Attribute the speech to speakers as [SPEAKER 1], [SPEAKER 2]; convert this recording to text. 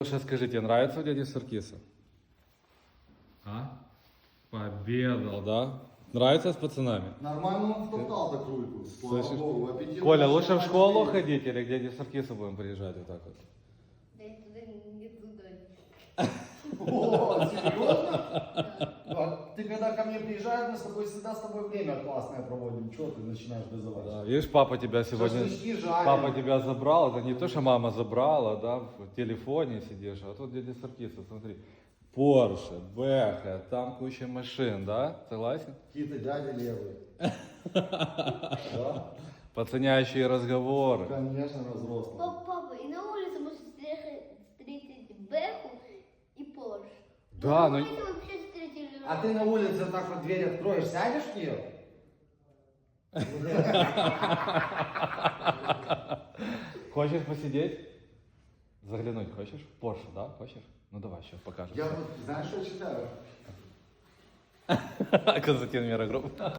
[SPEAKER 1] Сейчас скажите, нравится у дяди Саркиса? А? Победал, да? Нравится с пацанами?
[SPEAKER 2] Нормально он втоптал так рульку. Слава
[SPEAKER 1] Слышишь?
[SPEAKER 2] Богу, аппетит
[SPEAKER 1] Коля,
[SPEAKER 2] вообще
[SPEAKER 1] лучше в школу
[SPEAKER 2] начали.
[SPEAKER 1] ходить или к дяде Саркису будем приезжать вот так вот?
[SPEAKER 3] Да я туда не туда.
[SPEAKER 2] О, серьезно? А ты когда ко мне приезжаешь, мы с тобой всегда с тобой время классное проводим. Чего ты начинаешь газовать?
[SPEAKER 1] Да, видишь, папа тебя сегодня...
[SPEAKER 2] Шашлычки жарим.
[SPEAKER 1] Папа тебя забрал, это не то, что мама забрала, да, в телефоне сидишь, а тут дядя Саркиса, смотри. Порше, Бэха, там куча машин, да? Согласен?
[SPEAKER 2] Какие-то дяди левые. Да?
[SPEAKER 1] Пацанящие разговоры.
[SPEAKER 2] Конечно, разрослые.
[SPEAKER 3] Папа, и на улице можно встретить Бэху и Порш.
[SPEAKER 1] Да,
[SPEAKER 3] на
[SPEAKER 1] ну-
[SPEAKER 3] улице вообще встретили.
[SPEAKER 2] А ты на улице вот так вот дверь откроешь, сядешь в нее?
[SPEAKER 1] Хочешь посидеть? Заглянуть хочешь? Порше, да? Хочешь? Ну давай, сейчас покажем.
[SPEAKER 2] Я вот, знаешь, что читаю?
[SPEAKER 1] Константин Мирогрупп.